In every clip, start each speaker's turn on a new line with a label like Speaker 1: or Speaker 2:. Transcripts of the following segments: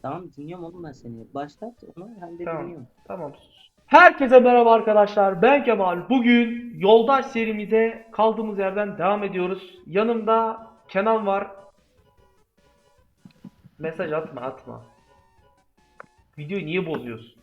Speaker 1: Tamam, dinliyorum oğlum ben seni. Başlat onu, hem de
Speaker 2: Tamam.
Speaker 1: dinliyorum.
Speaker 2: Tamam. Herkese merhaba arkadaşlar. Ben Kemal. Bugün Yoldaş serimize kaldığımız yerden devam ediyoruz. Yanımda Kenan var. Mesaj atma atma. Videoyu niye bozuyorsun?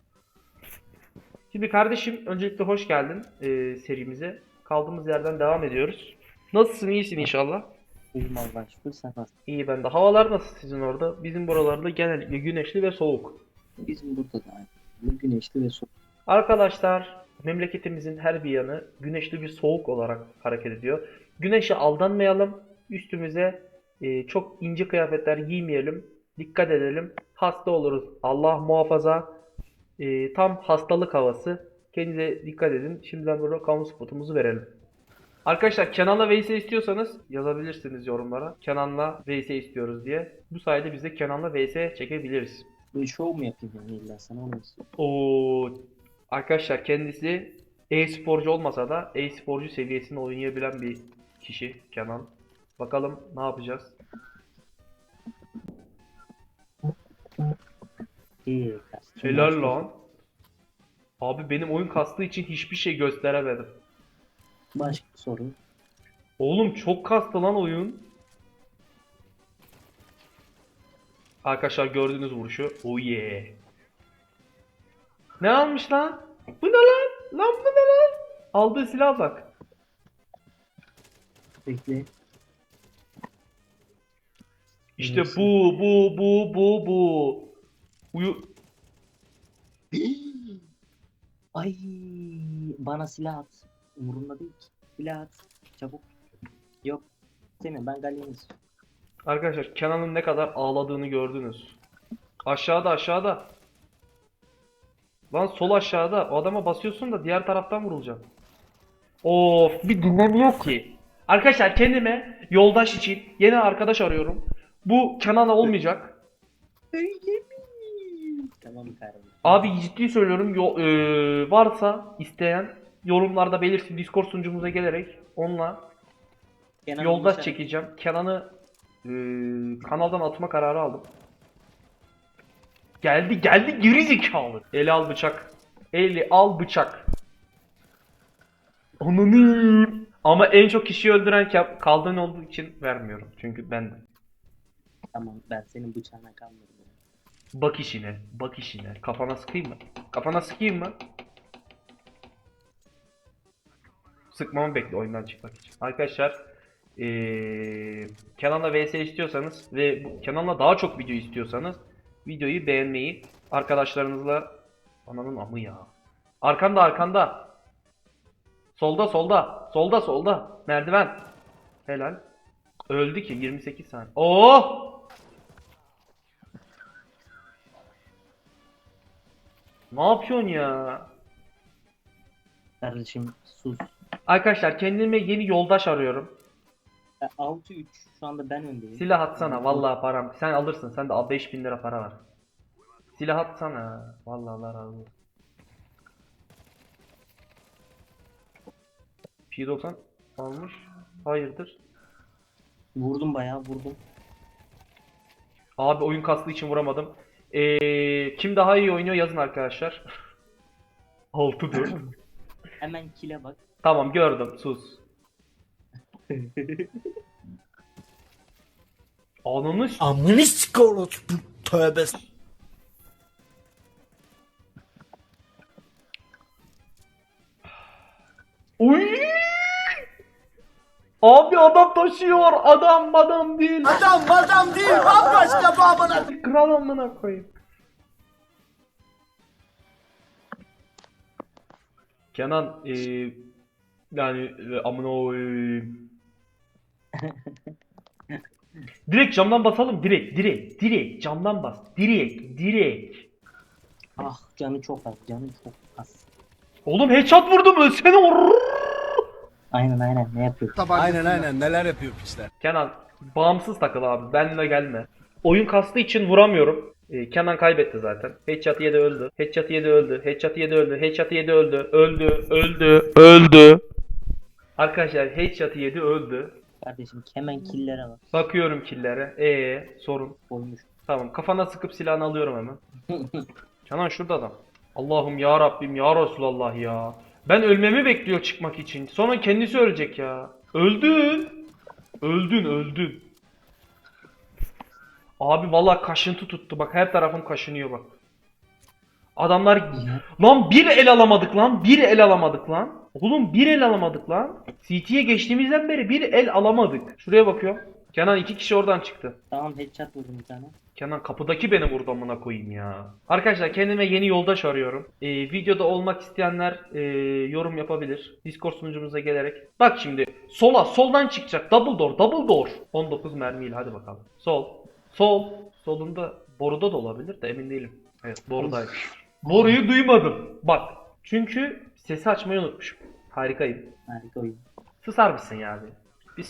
Speaker 2: Şimdi kardeşim öncelikle hoş geldin serimize. Kaldığımız yerden devam ediyoruz. Nasılsın? İyisin inşallah.
Speaker 1: İyiyim Allah'a şükür, sen nasılsın?
Speaker 2: İyi ben de. Havalar nasıl sizin orada? Bizim buralarda genellikle güneşli ve soğuk.
Speaker 1: Bizim burada da aynı. Güneşli ve soğuk.
Speaker 2: Arkadaşlar memleketimizin her bir yanı güneşli bir soğuk olarak hareket ediyor. Güneşe aldanmayalım. Üstümüze çok ince kıyafetler giymeyelim. Dikkat edelim. Hasta oluruz. Allah muhafaza. Tam hastalık havası. Kendinize dikkat edin. Şimdiden burada kamu spotumuzu verelim. Arkadaşlar Kenan'la vs istiyorsanız yazabilirsiniz yorumlara. Kenan'la vs istiyoruz diye. Bu sayede biz de Kenan'la vs çekebiliriz.
Speaker 1: Böyle şov mu yapayım yani, illa sana onu istiyorum.
Speaker 2: O arkadaşlar kendisi e-sporcu olmasa da e-sporcu seviyesinde oynayabilen bir kişi Kenan. Bakalım ne yapacağız?
Speaker 1: İyi kardeşim.
Speaker 2: Helal lan. Abi benim oyun kastığı için hiçbir şey gösteremedim.
Speaker 1: Başka bir soru.
Speaker 2: Oğlum çok kastı lan oyun. Arkadaşlar gördüğünüz vuruşu. Oh yeah. Ne almış lan? Bu ne lan? Lan bu ne lan? Aldığı silaha bak.
Speaker 1: Bekle.
Speaker 2: İşte
Speaker 1: Neyse.
Speaker 2: bu. Uyu.
Speaker 1: Ay, bana silah at. Umurumda değil ki. Silah at. Çabuk. Yok. Seni ben Galya'nı istiyorum.
Speaker 2: Arkadaşlar Kenan'ın ne kadar ağladığını gördünüz. Aşağıda aşağıda. Lan sol aşağıda. O adama basıyorsun da diğer taraftan vurulacaksın. Of bir dinlemiyor ki. Arkadaşlar kendime yoldaş için yeni arkadaş arıyorum. Bu Kenan'a olmayacak.
Speaker 1: Öyle mi? Tamam kardeşim.
Speaker 2: Abi ciddi söylüyorum varsa isteyen yorumlarda belirsin, Discord sunucumuza gelerek onunla
Speaker 1: Kenan
Speaker 2: yoldaş
Speaker 1: Uşak.
Speaker 2: çekeceğim. Kenan'ı kanaldan atma kararı aldım. Geldi geri zekalı. Eli al bıçak. Eli al bıçak. Ananı. Ama en çok kişiyi öldüren kaldığın olduğu için vermiyorum. Çünkü ben
Speaker 1: Tamam, ben senin bıçağına kalmadım.
Speaker 2: bak işine, bak işine. Kafana sıkayım mı? Kafana sıkayım mı? Sıkmamı bekle oyundan çıkmak için. Arkadaşlar Kenan'la vs istiyorsanız ve Kenan'la daha çok video istiyorsanız videoyu beğenmeyi, arkadaşlarınızla ananın amı ya. Arkanda. Solda. Merdiven. Helal. Öldü ki 28 saniye. Oh! Ne yapıyorsun ya?
Speaker 1: Kardeşim sus.
Speaker 2: Arkadaşlar kendime yeni yoldaş arıyorum.
Speaker 1: 6-3 şu anda ben öndeyim.
Speaker 2: Silah atsana vallahi param. Sen alırsın. Sen de 5000 lira para var. Silah atsana. Vallahi Allah razı olsun. P90 almış. Hayırdır?
Speaker 1: Vurdum, bayağı vurdum.
Speaker 2: Abi oyun kastığı için vuramadım. Kim daha iyi oynuyor yazın arkadaşlar. 6-4.
Speaker 1: Hemen kile bak.
Speaker 2: Tamam gördüm. Sus. Ananı
Speaker 3: Amını sikor tövbe.
Speaker 2: Uy! Abi adam taşıyor. Adam değil.
Speaker 3: Adam değil bambaşka babana.
Speaker 2: Kral amına koyayım. Kenan yani amına koyayım. Direkt camdan basalım. Direkt camdan bas. Direkt.
Speaker 1: Ah, canı çok az, canı çok az.
Speaker 2: Oğlum headshot vurdum ölsene.
Speaker 1: Aynen, ne yapıyor?
Speaker 3: Aynen neler yapıyor piçler.
Speaker 2: Kenan bağımsız takıl abi. Benimle gelme. Oyun kastığı için vuramıyorum. Kenan kaybetti zaten. Headshot yedi öldü. Headshot yedi öldü. Headshot yedi öldü. Headshot yedi öldü. Öldü. Arkadaşlar headshot yedi öldü.
Speaker 1: Kardeşim hemen killere bak.
Speaker 2: Bakıyorum killere. Sorun.
Speaker 1: Koymuş.
Speaker 2: Tamam, kafana sıkıp silahını alıyorum hemen. Canan şurada adam. Allah'ım ya Rabbim ya Resulallah ya. Ben ölmemi bekliyor çıkmak için. Sonra kendisi ölecek ya. Öldün. Öldün. Abi vallahi kaşıntı tuttu. Bak her tarafım kaşınıyor bak. Adamlar lan bir el alamadık lan. Bir el alamadık lan. Oğlum bir el alamadık lan. CT'ye geçtiğimizden beri bir el alamadık. Şuraya bakıyorum. Kenan 2 kişi oradan çıktı.
Speaker 1: Tamam, headshot vurdum bir tane.
Speaker 2: Kenan kapıdaki beni vurdu amına koyayım ya. Arkadaşlar kendime yeni yoldaş arıyorum. Videoda olmak isteyenler yorum yapabilir. Discord sunucumuza gelerek. Bak şimdi soldan çıkacak. Double door. 19 mermiyle hadi bakalım. Sol. Solunda boruda da olabilir de emin değilim. Evet borudaydı. Boruyu duymadım. Bak çünkü sesi açmayı unutmuşum. Harikayım.
Speaker 1: Harika oyun.
Speaker 2: Susar mısın ya abi? Bir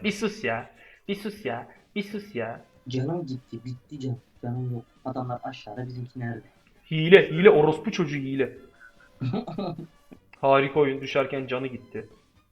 Speaker 2: sus ya.
Speaker 1: Canım gitti. Bitti can. Canım yok. Adamlar aşağıda, bizimki nerede?
Speaker 2: Hile orospu çocuğu hile. Harika oyun, düşerken canı gitti.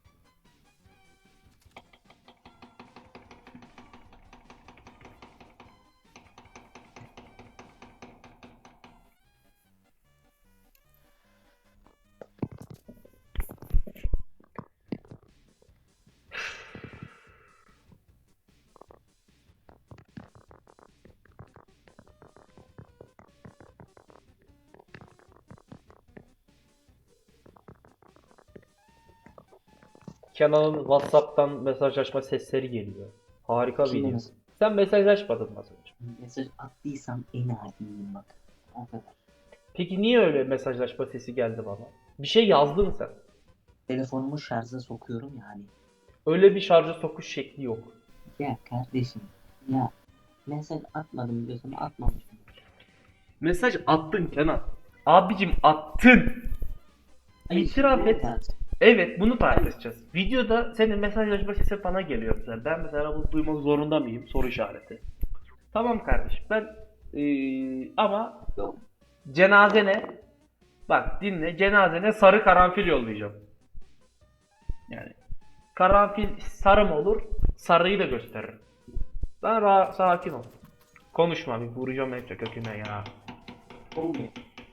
Speaker 2: Kenan'ın WhatsApp'tan mesajlaşma sesleri geliyor. Harika
Speaker 1: Kimle
Speaker 2: video.
Speaker 1: mesaj?
Speaker 2: Sen mesajlaşmadın mı az önce?
Speaker 1: Mesaj attıysam en adiyim bak. O kadar.
Speaker 2: Peki niye öyle mesajlaşma sesi geldi bana? Bir şey yazdın sen.
Speaker 1: Telefonumu şarja sokuyorum yani.
Speaker 2: Öyle bir şarja sokuş şekli yok.
Speaker 1: Ya kardeşim. Ya. Mesaj atmadım diyorsun, atmamışım.
Speaker 2: Mesaj attın Kenan. Abicim attın. İtiraf et. Evet bunu tartışacağız. Videoda senin mesajlaşma sesi bana geliyor mesela. Ben mesela bunu duymak zorunda mıyım? Soru işareti. Tamam kardeşim ben ama
Speaker 1: Yok.
Speaker 2: cenazene bak dinle cenazene sarı karanfil yollayacağım. Yani karanfil sarı mı olur? Sarıyı da gösteririm. Ben sakin ol. Konuşma bir vuracağım hep köküne ya.
Speaker 1: Olmuyor.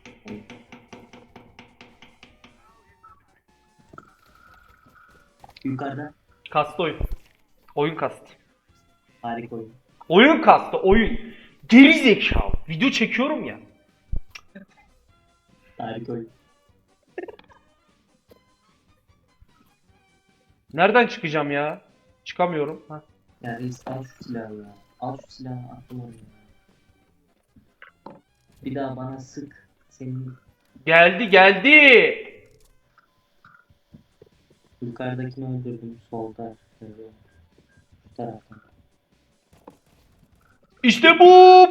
Speaker 1: Yukarıda
Speaker 2: Kastı oyun. Oyun kastı.
Speaker 1: harika oyun.
Speaker 2: Oyun kastı oyun. Geri zekalı. Video çekiyorum ya.
Speaker 1: Harika oyun.
Speaker 2: Nereden çıkacağım ya? Çıkamıyorum. Ha.
Speaker 1: Ya reis, al şu silahı ya. Al şu silahı, attım oraya. Bir daha bana sık. Senin
Speaker 2: Geldi.
Speaker 1: yukarıdakini öldürdüm. Solda. Şu tarafta.
Speaker 2: İşte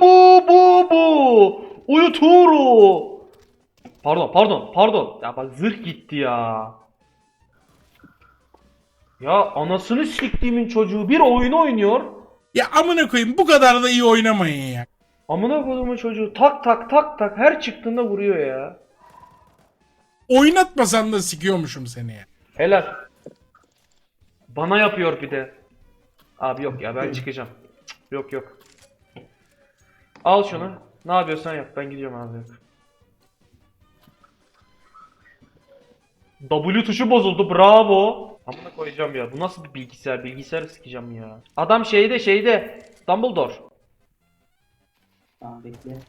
Speaker 2: bu. Uyuturu. Pardon. Ya bak zırh gitti ya. Ya anasını siktiğimin çocuğu bir oyun oynuyor.
Speaker 4: Ya amına koyayım bu kadar da iyi oynamayın ya.
Speaker 2: Amına koyduğumun çocuğu tak her çıktığında vuruyor ya.
Speaker 4: Oynatmasan da sikiyormuşum seni ya.
Speaker 2: Helal. Bana yapıyor bir de. Abi yok ya ben çıkacağım. Cık, yok. Al şunu. Ne yapıyorsan yap. Ben gidiyorum abi. W tuşu bozuldu. Bravo. Amına koyacağım ya. Bu nasıl bir bilgisayar? Bilgisayarı sikeceğim ya. Adam şeyde. Dumbledore.
Speaker 1: Tamam, bekle.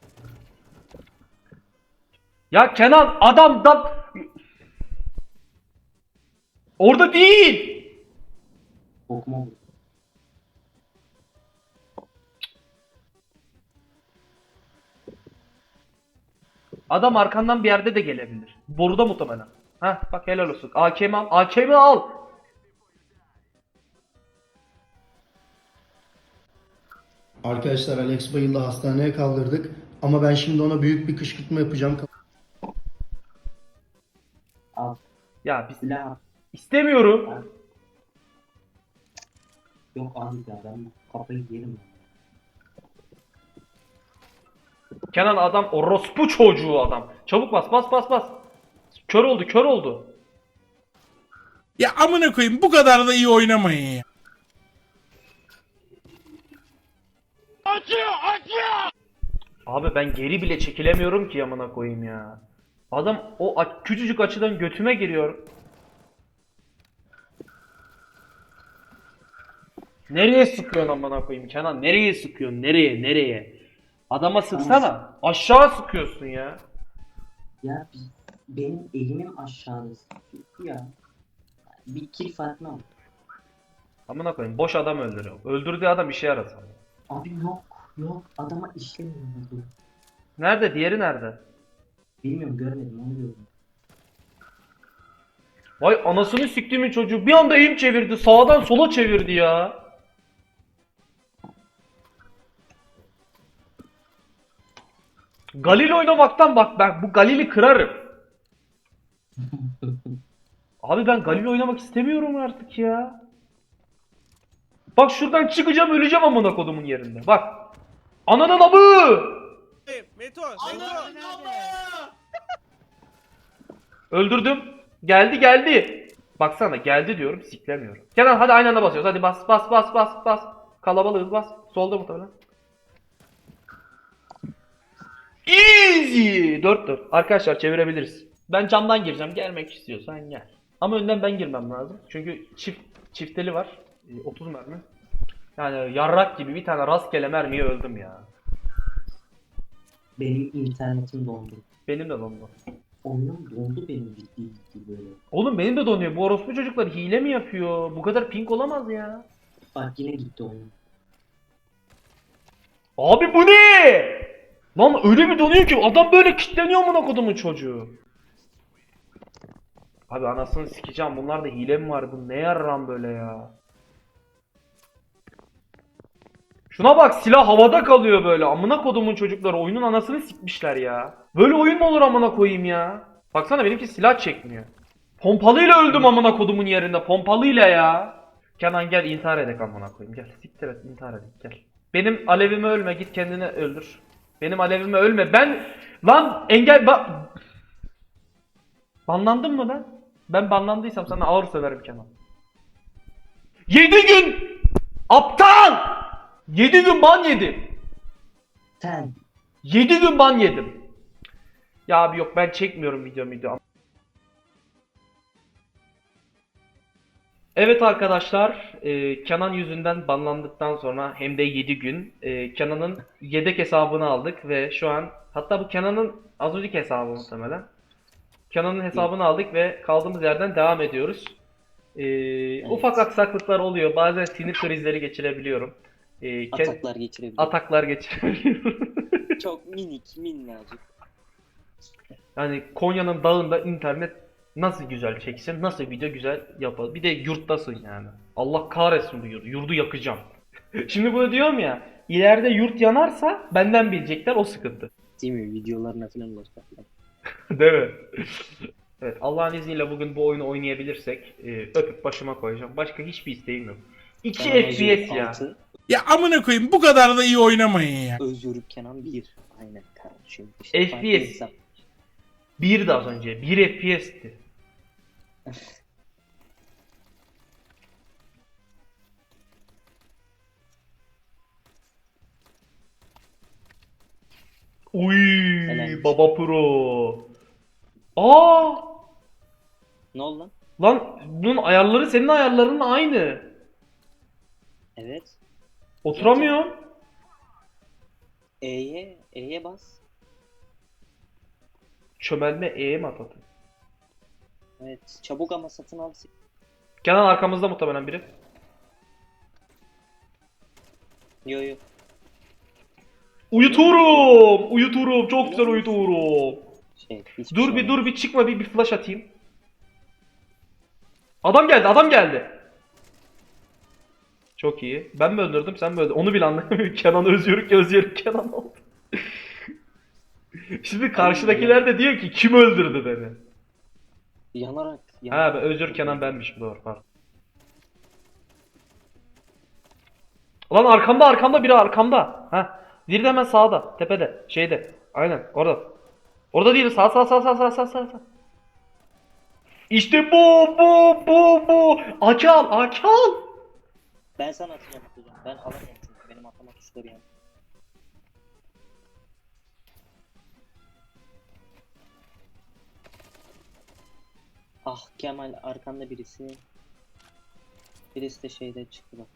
Speaker 2: Ya Kenan adam da orada değil.
Speaker 1: Okuma bu.
Speaker 2: Adam arkandan bir yerde de gelebilir. Boruda muhtemelen. Heh bak helal olsun. AK'mi al.
Speaker 5: Arkadaşlar Alex bayıldı, hastaneye kaldırdık ama ben şimdi ona büyük bir kışkırtma yapacağım.
Speaker 1: Al.
Speaker 2: Ya biz
Speaker 1: Silah al.
Speaker 2: istemiyorum.
Speaker 1: Yok abi ya, ben bu kafayı yerim.
Speaker 2: Kenan adam orospu çocuğu adam. Çabuk bas. Kör oldu.
Speaker 4: Ya amına koyayım bu kadar da iyi oynamayın ya.
Speaker 2: Abi ben geri bile çekilemiyorum ki amına koyayım ya. Adam o küçücük açıdan götüme giriyor. Nereye sıkıyorsun amına koyayım Kenan? Nereye sıkıyorsun? Nereye? Adama sıksana. Aşağı sıkıyorsun ya.
Speaker 1: Ya benim elimim aşağıda. Ya. Bir kill farkına bak.
Speaker 2: Amına koyayım boş adam öldürüyor. Öldürdüğü adam işe yarasın.
Speaker 1: Abi yok adama işlemiyor bu.
Speaker 2: Nerede? Diğeri nerede?
Speaker 1: Bilmiyorum, görmedim, onu gördüm.
Speaker 2: Vay anasını siktiğimin çocuğu bir anda eğim çevirdi. Sağdan sola çevirdi ya. Galil oynamaktan bak ben bu Galil'i kırarım. Abi ben Galil oynamak istemiyorum artık ya. Bak şuradan çıkacağım öleceğim amına kodumun yerinde. Bak. Ananın amı.
Speaker 3: Meto.
Speaker 2: Öldürdüm. Geldi. Baksana geldi diyorum siklemiyorum. Kenan hadi aynı anda basıyoruz. Hadi bas. Kalabalığız bas. Solda muhtemelen. Easy. 4-4. Arkadaşlar çevirebiliriz. Ben camdan gireceğim. Gelmek istiyorsan gel. Ama önden ben girmem lazım. Çünkü çifteli var. 30 mermi. Yani yarrak gibi bir tane rastgele mermiye öldüm ya.
Speaker 1: Benim internetim dondu.
Speaker 2: Benim de dondu.
Speaker 1: Oyunum dondu benim ciddi böyle.
Speaker 2: Oğlum benim de donuyor. Bu orospu çocuklar hile mi yapıyor? Bu kadar ping olamaz ya.
Speaker 1: Bak yine gitti oyun.
Speaker 2: Abi bu ne? Lan öyle bir donuyor ki adam böyle kilitleniyor amına kodumun çocuğu. Abi anasını sikeceğim. Bunlarda hile mi var? Bu ne yarram böyle ya? Şuna bak silah havada kalıyor böyle. Amına kodumun çocukları oyunun anasını sikmişler ya. Böyle oyun mu olur amına koyayım ya? Baksana benimki silah çekmiyor. Pompalıyla öldüm amına kodumun yerinde. Pompalıyla ya. Kenan gel intihar edek amına koyayım. Gel siktir et intihar edek gel. Benim alevime ölme git kendini öldür. Benim alevime ölme. Ben lan engel banlandın mı lan? Ben banlandıysam sana ağır söverim Kenan. 7 gün aptal! 7 gün ban yedim.
Speaker 1: Sen
Speaker 2: 7 gün ban yedim. Ya abi yok ben çekmiyorum video. Evet arkadaşlar, Kenan yüzünden banlandıktan sonra hem de 7 gün Kenan'ın yedek hesabını aldık ve şu an hatta bu Kenan'ın az önceki hesabı muhtemelen. Kenan'ın hesabını aldık ve kaldığımız yerden devam ediyoruz. Ufak aksaklıklar oluyor. Bazen sinir krizleri geçirebiliyorum.
Speaker 1: ataklar geçirebilir.
Speaker 2: Ataklar geçirebiliyorum.
Speaker 1: Çok minnacık.
Speaker 2: Yani Konya'nın dağında internet nasıl güzel çeksin, nasıl video güzel yapar. Bir de yurttasın yani. Allah kahretsin bu yurdu. Yurdu yakacağım. Şimdi bunu diyorum ya. İleride yurt yanarsa benden bilecekler o sıkıntı.
Speaker 1: Değil mi? Videolarına falan ulaşacaklar.
Speaker 2: Değil mi? Evet Allah'ın izniyle bugün bu oyunu oynayabilirsek öpüp başıma koyacağım. Başka hiçbir isteğim yok. 2 FPS ya.
Speaker 4: Ya amına koyayım bu kadar da iyi oynamayın ya.
Speaker 1: Özgürlük Kenan 1. Aynen kardeşim.
Speaker 2: FPS. 1 de az önce. 1 FPS'ti. Uy,
Speaker 1: Helal.
Speaker 2: baba pro. Aa!
Speaker 1: Ne oldu lan?
Speaker 2: Lan bunun ayarları senin ayarlarınla aynı.
Speaker 1: Evet.
Speaker 2: Oturamıyorum.
Speaker 1: E'ye bas.
Speaker 2: Çömelme E'ye mi atadın?
Speaker 1: Evet. Çabuk ama satın al.
Speaker 2: Kenan arkamızda muhtemelen biri.
Speaker 1: Yo.
Speaker 2: Uyuturum. Çok güzel uyuturum.
Speaker 1: Hiçbir
Speaker 2: Dur
Speaker 1: şey
Speaker 2: bir çıkma bir flash atayım. Adam geldi. Çok iyi. Ben mi öldürdüm sen mi öldürdün? Onu bile anlamıyorum. Kenan Özgürlük Kenan oldu. Şimdi karşıdakiler de diyor ki kim öldürdü beni?
Speaker 1: Yanarak.
Speaker 2: Ha ben Özgür Kenan benmişim doğru pardon. Lan arkamda biri arkamda. Ha. Biri de hemen sağda, tepede, şeyde. Aynen orada. Orada değil sağ. İşte bu. Akal.
Speaker 1: Ben sana atacağım. Ben alamıyorum çünkü benim atama tuşları yani. Ah Kemal arkanda birisi. Birisi de şeyde çıktı bak.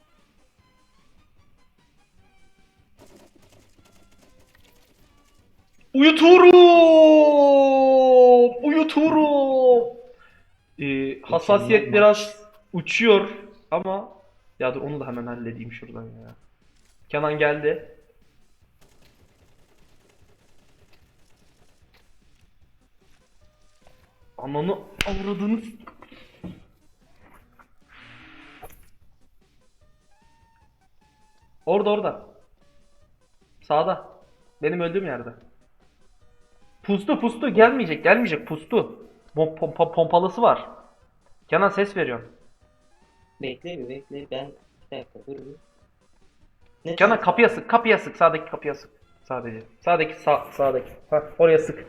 Speaker 2: Uyuturum! Uyuturum! Hassasiyet
Speaker 1: Mükemmel
Speaker 2: biraz uçuyor ama ya dur onu da hemen halledeyim şuradan ya. Kenan geldi. Ananı avradını orada. Sağda. Benim öldüğüm yerde. Pustu gelmeyecek pustu. Pompalısı var. Kenan ses veriyorum.
Speaker 1: Bekle bir bekle ben bir dakika dur bir. Ne
Speaker 2: Kenan
Speaker 1: tarafta?
Speaker 2: kapıya sık sağdaki kapıya sık. Sadece. Sağdaki. Ha oraya sık.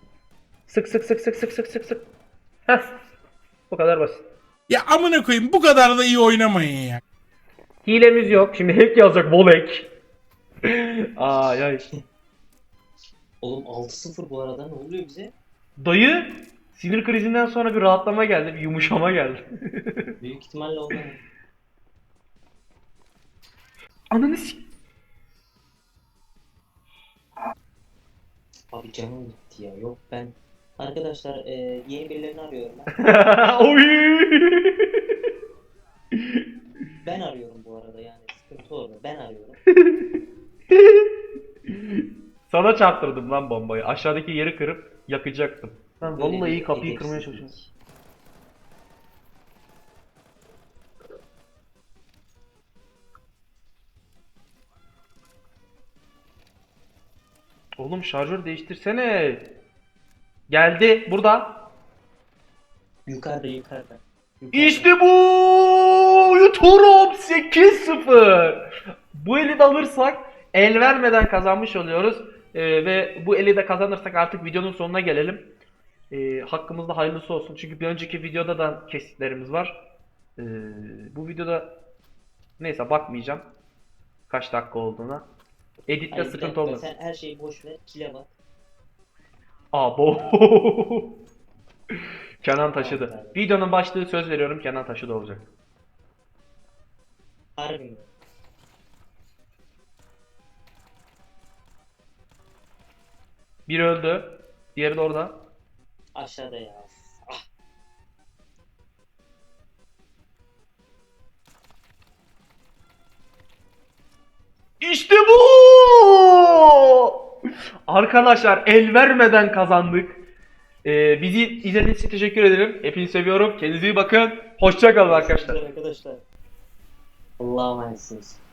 Speaker 2: Sık. Heh. Bu kadar basit.
Speaker 4: Ya amına koyayım bu kadar da iyi oynamayın ya.
Speaker 2: Hilemiz yok. Şimdi hep yazacak volek. Ay.
Speaker 1: Oğlum 6-0 bu arada ne oluyor bize?
Speaker 2: Dayı sinir krizinden sonra bir rahatlama geldi, bir yumuşama geldi.
Speaker 1: Büyük ihtimalle ondan.
Speaker 2: Ananı s**.
Speaker 1: Abi canım gitti ya. Yok ben. Arkadaşlar yeni birilerini arıyorum ben.
Speaker 2: Oy!
Speaker 1: Ben arıyorum bu arada yani sıkıntı orada. Ben arıyorum.
Speaker 2: Sana çarptırdım lan bombayı. Aşağıdaki yeri kırıp yakacaktım. Ben
Speaker 1: Böyle
Speaker 2: vallahi
Speaker 1: bir
Speaker 2: kapıyı kırmaya
Speaker 1: edepsizlik.
Speaker 2: çalışıyorum. Oğlum şarjör değiştirsene. Geldi burada.
Speaker 1: Yukarıda. Yukarıda.
Speaker 2: İşte bu! Yuturum 8-0. Bu eli de alırsak el vermeden kazanmış oluyoruz. Ve bu eli de kazanırsak artık videonun sonuna gelelim. Hakkımızda hayırlısı olsun. Çünkü bir önceki videoda da kesitlerimiz var. Bu videoda neyse bakmayacağım. Kaç dakika olduğuna. Editte
Speaker 1: Hayır, bir
Speaker 2: sıkıntı
Speaker 1: dakika,
Speaker 2: olmaz.
Speaker 1: sen her şeyi boş ver. Kile bak.
Speaker 2: Abo. Kenan taşıdı. Videonun başlığı söz veriyorum Kenan taşıdı olacak.
Speaker 1: Harbi mi?
Speaker 2: Biri öldü. Diğeri de orada.
Speaker 1: Aşağıda ya. Ah.
Speaker 2: İşte bu! Arkadaşlar el vermeden kazandık. Bizi izlediğiniz için teşekkür ederim. Hepinizi seviyorum. Kendinize iyi bakın. Hoşça kalın arkadaşlar.
Speaker 1: Arkadaşlar. Allah'a emanetsiniz.